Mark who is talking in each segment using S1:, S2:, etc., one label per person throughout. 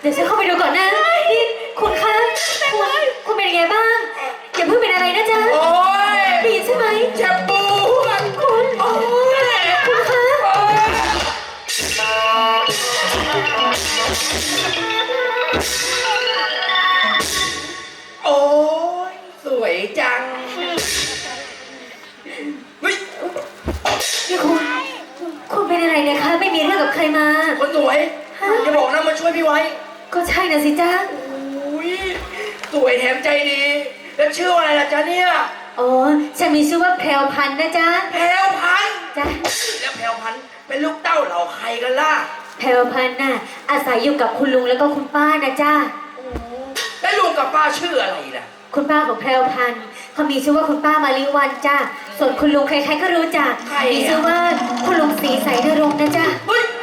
S1: เดี๋ยวฉันเข้าไปดูก่อนนะนี่คุณคะคุณเป็นยังไงบ้างอย่าเพิ่งเป็นอะไรนะจ๊ะ
S2: โอ้ย
S1: ได้ยินใช่ไหม
S2: เจ็บปวด
S1: คุณ
S2: โอ้ย
S1: คุณคะ
S2: โอ้ยสวยจังเฮ้ย
S1: นี่คุณเป็นอะไรเนี่ยคะไม่มีเรื่องกับใครมา
S2: คนสวยอย่าบอกนะมาช่วยพี่ไว้
S1: ก็ใช่นะสิจ๊ะ
S2: อุ้ยสวยแถมใจดี แล้วชื่ออะไรล่ะจ๊ะเนี่ย
S1: อ๋อฉันมีชื่อว่าแพรวพันธุ์นะจ๊ะ
S2: แพรวพันธุ์
S1: จ๊ะ
S2: แล้วแพรวพันธุ์เป็นลูกเต้าเหล่าใครกันล่ะ
S1: แพรวพันธุ์น่ะอาศัยอยู่กับคุณลุงแล้วก็คุณป้านะจ๊ะ
S2: แล้วลุงกับป้าชื่ออะไรล่ะ
S1: คุณป้าของแพรวพันธุ์เขามีชื่อว่าคุณป้ามาลิวันจ้ะส่วนคุณลุงใครๆก็รู้จัก
S2: ใครอ่ะ
S1: มีชื่อว่าคุณลุงศรีใสนรงค์นะจ๊ะ
S2: เฮ้ย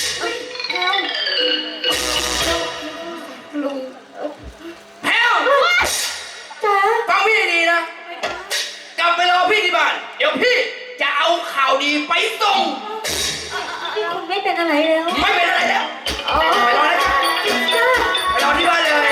S2: ลุงแพรว
S1: จ๊ะ
S2: ฟังพี่ให้ดีนะ กลับไปรอพี่ที่บ้าน เดี๋ยวพี่จะเอาข่าวดีไปส่ง
S1: นี่คุณไม่เป็นอะไรแล้ว
S2: ไม่เป็นอะไรแล้วไปรอนะ
S1: จ้ะ
S2: ไปรอที่บ้านเลย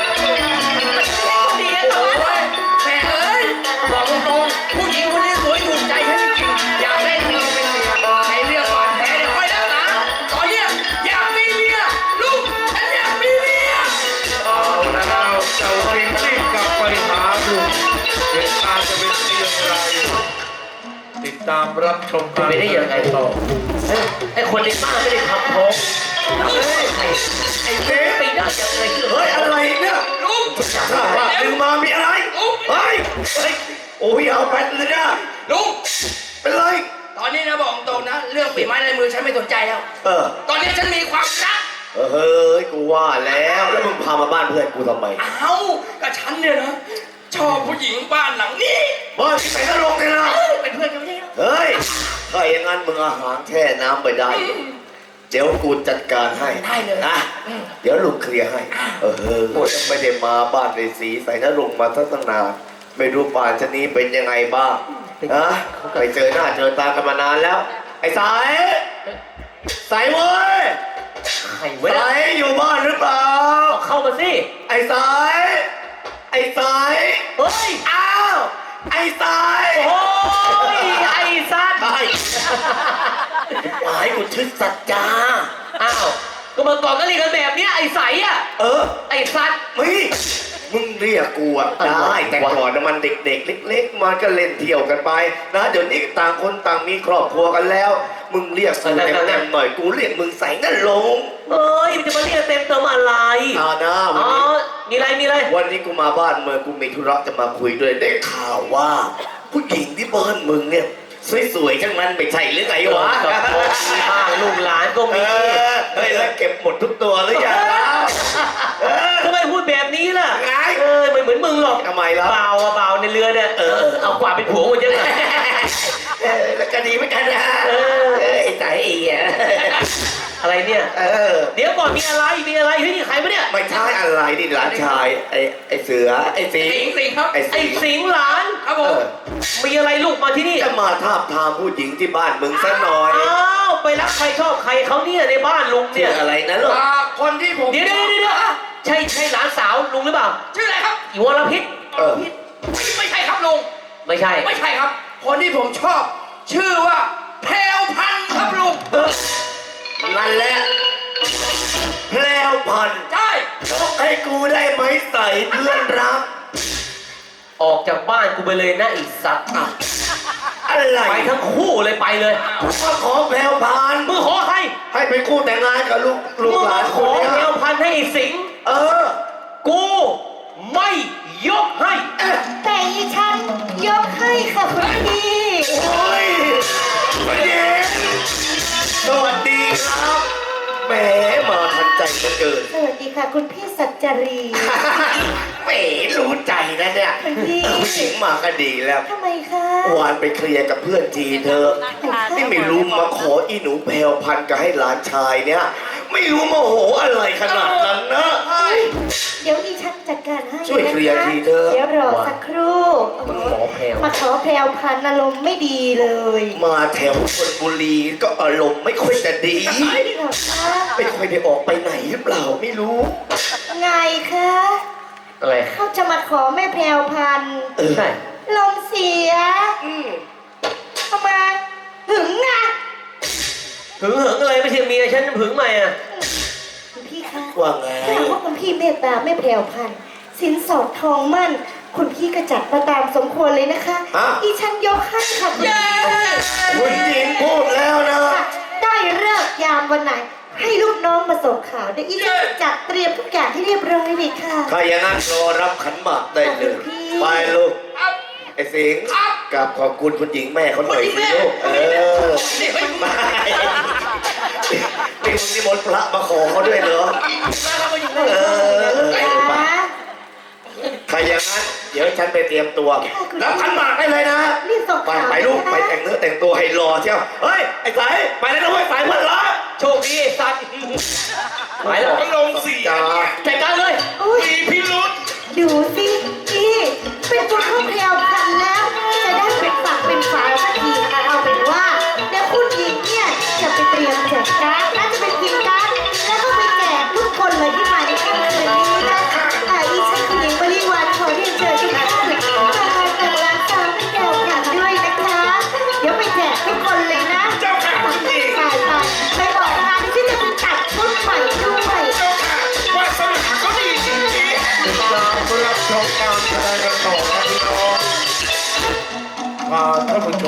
S2: ดีนะโอ้ยแม่เอ้ยบอกตรงๆผู้หญิงคนนี้สวยถูกใจฉันจริงๆอยากได้เธอเป็นเมียใช้เรื่องก่อนแพ้เดี๋ยวค่อยรักษาตอนเนี้ยอยากมีเมียลูกฉันอยากมีเมีย
S3: เอาแล้วเจ้าเองรีบกลับไปหาลุงเหตุการณ์จะเป็นเรื่องไรติดตามรับชมกัน
S4: ไม่ได้ยังไงต่อไอ้คนในบ้านไม่ได้ทำท้องไอ้เจ๊ไปได้ยังไง
S3: เฮ้ยอะไรเนี่ย
S2: ลูก
S3: ถ้าว่าดึงมามีอะไรเฮ้ยโอ้ยเอาแปดเลยนะ
S2: ลูก
S3: เป็นไร
S2: ตอนนี้นะบอกตรงนะ เรื่องฝีไม้ลายมือฉันไม่สนใจแล้ว ตอนนี้ฉันมีความรัก
S3: เฮ้ยกูว่าแล้วมึงพามาบ้านเพื่อนกูทำไม
S2: เอ้ากับฉันเนี่ยนะ ชอบผู้หญิงบ้านหลังนี้
S3: บ้านที่ไหนก็ลงเลยนะ
S2: เป็นเพื่อนกันไม่ใช่เหรอ
S3: เฮ้ยถ้าอย่างนั้นมึงอาหารแช่น้ำไปได้ เดี๋ยวกูจัดการให้
S2: ได้เลย
S3: นะเดี๋ยวลุงเคลียร์ให้กูจะไม่ได้มาบ้านในสีใส่นรงค์มาตั้งนานไม่รู้ป่านชะนี้เป็นยังไงบ้างนะไปเจอหน้าเจอตากันมานานแล้ว ไอ้สายสายเว้ย
S4: ใครเว้ย
S3: สายอยู่บ้านหรือเปล่า
S4: เข้ามาสิ
S3: ไอ้สายไอ้สาย
S4: เฮ้ย
S3: อ้าวไอ้สาย
S4: โอ้ยไอ้สัตว์
S3: ไอ้หมายกูชื่อสัจจา
S4: อ้าวก็มาก่อนก็เรียกกันแบบเนี้ยไอ้ใสอ่ะ ไอ้สัตว์
S3: มึงเรียกกูอะได้แต่ก่อนมันเด็กๆเล็กๆมันก็เล่นเที่ยวกันไปนะเดี๋ยวนี้ต่างคนต่างมีครอบครัวกันแล้ว มึงเรียกกูเต็มๆหน่อยกูเรียกมึงใส่นั่นลง
S4: เอ้ยมันจะมาเรียกเต็มเติมอะไร
S3: นะวัน
S4: อ๋อ
S3: นี้
S4: มีอะไร
S3: วันนี้กูมาบ้านเมืองกูมีธุระจะมาคุยด้วยได้ข่าวว่า ผู้หญิงที่บ้านมึงเนี่ยสวยๆทั้งนั้นไม่ใช่หรือไงวะ
S4: กับพ่อมีบ้างลูกหลานก็มี
S3: เฮ้ยแล้วเก็บหมดทุกตัวหรือยังล่ะ
S4: ทำไมพูดแบบนี้ล่ะ
S3: ไง
S4: ไม่เหมือนมึงหรอก
S3: ทำไมล่ะ
S4: เบาอะเบาในเรือเนี่ยเอากว่าเป็นผัวกูเยอะเลย
S3: แล้วก็ดีเหมือนกันนะ ไอ้ใจอีอะ
S4: อะไรเนี่ย เดี๋ยวก่อนมีอะไรเฮ้ยนี่ใครปะเนี่ย
S3: ไม่ใช่อะไรนี่หลานชายไอ้เสือไอ้สิง
S2: สิงครับ
S3: ไอ้
S4: ไอ้
S3: สิง
S4: สิงห์หลาน
S2: ครับผม
S4: มีอะไรลูกมาที่นี่
S3: จะมาทาบทามผู้หญิงที่บ้านมึงซะหน่อย
S4: อ้าวไปรักใครชอบใครเขาเนี่ยในบ้านลุง
S3: ชื่
S4: เนี่
S3: อยอะไรนะลูก
S2: คนที่ผม
S4: เดี๋ยวใช่หลานสาวลุงหรือเปล่า
S2: ชื่ออะไรครับ
S4: อีวรพิษ
S2: ไม่ใช่ครับลุง
S4: ไม่ใช่
S2: ไม่ใช่ครับ คนที่ผมชอบ ชื่อว่าแพรวพันธุ์ครับลุง
S3: นั่นแหละแพรวพันธุ์
S2: ใช่
S3: ให้กูได้ไหมใส่เพื่อนรัก
S4: ออกจากบ้านกูไปเลยนะไอีสัตว์
S3: อะไร
S4: ไปทั้งคู่เลยไปเลย
S3: มาขอแพรวพันธุ์
S4: มึงขอใคร
S3: ให้เป็นคู่แต่งงานกับลูก
S4: มึง
S3: หลา
S4: มาน ข
S3: คน
S4: อ
S3: เนี้
S4: แนวย พันธุ์ให้ไอ้สิงห์
S3: เออ
S4: กูไม่ยกให้
S1: แต่อีฉันยกให้ค่ะคุณพี่
S3: โอ้ยเย็นสวัสดีครับแหมมาทันใจเหลือเกิน
S1: สวัสดีค่ะคุณพี่สัจจรี
S3: แหมรู้ใจนะเนี่ย
S1: คุณพี่
S3: ผู้หญิงมาก็ดีแล้ว
S1: ทำไมคะ
S3: วานไปเคลียร์กับเพื่อนทีเธอนี่ไม่รู้มาขออีหนูแพรวพันธุ์กับให้หลานชายเนี่ย ไม่รู้โมโหอะไรขนาดนั้นนะ
S1: เดี๋ยวดิฉันจัดการให้
S3: ช่วยเคลียร์ทีเถอะ
S1: เดี๋ยวรอสักครู่
S4: มันขอแพรว
S1: มาขอแพรวพันธุ์อารมณ์ไม่ดีเลย
S3: มาแถวชลบุรีก็อารมณ์ไม่ค่อยจะดี
S1: เหรอคะ
S3: ไม่ค่อยได้ออกไปไหนหรือเปล่าไม่รู้
S1: ไงคะ
S4: อะไร
S1: เขาจะมาขอแม่แพรวพันธุ์
S4: ใช่
S1: ลมเสียทำไมหึงไง
S4: หึงอะไรไม่ใช่เมียฉันหึงใหม่อ่ะ
S1: คุณพี่คะ
S3: ว่าไง
S1: ถ้าหากว่าคุณพี่เมตตาแม่แพรวพันธุ์สินสอดทองมั่น คุณพี่ก็จัดมาตามสมควรเลยนะคะ
S3: อ่ะ
S1: อีฉันยกให้ค่ะคุณพี่
S3: คุณหญิงพูดแล้วนะ
S1: ได้เลิกษ์ยามวันไหน ให้ลูกน้องมาส่งข่าวเดี๋ยวอีฉันจะจัดเตรียมทุกอย่างที่เรียบร้อยเลยค่ะ
S3: ถ้าอย่างนั้นรอรับขันหมากได้เลย
S1: พี่
S3: ไปลูก
S2: ครับ
S3: ไอ้สิงห์
S2: ครับ
S3: กราบขอบคุณคุณหญิงแม่เขาหน่อยสิลูก
S2: นี่ไม่
S3: ไม่นี่มึงนิมนต์พระมาขอเขาด้วยเหรอ
S2: มาอยู่
S3: เออ
S1: นะ
S3: ถ้าอย่างนั้นเดี๋ยวฉันไปเตรียมตัวรับขันหมากได้เลยนะ
S1: รีบส่ง
S3: ไป
S1: ข่าว
S3: ไปลูก
S1: นะ
S3: ไปแต่งเนื้อแต่งตัวให้รอเที่ยวเฮ้ยไอ้สายไปแล้วนะเว้ยสายเพื่อนรัก
S4: โชคดีไอ้สัตว์ไปแล้ว
S2: อารมณ์เสีย
S3: จ้า
S4: จัดการเลย
S1: อุ๊ย
S2: มีพิรุษ
S1: ดูสิพี่เป็นตัวข้าวแพรวพันธุ์แล้ว จะได้เป็นฝักเป็นฝาสักทีเอาเป็นว่าเดี๋ยวคุณหญิงเนี่ยจะไปเตรียมแจกการ์ดและจะไปพิมพ์การ์ดแล้วก็ไปแจกทุกคนเลยที่มาในค่ำคืนนี้นะอีฉันคุณหญิงบริวารขอเรียนเชิญทุกท่านมาแต่ร้านสาวแพรวพันธุ์ด้วยนะคะ เดี๋ยวไปแจกทุกคนเลยนะ
S2: เจ้าค่ะคุณหญิง
S1: ไปบอกงานที่จะไปตัดชุดใหม่ด้วย
S2: เจ้าค่ะวาสนาก็ดีจริงๆ
S3: ติดตามรับชมการแสดงกันต่อนะพี่น้องท่านผู้ชม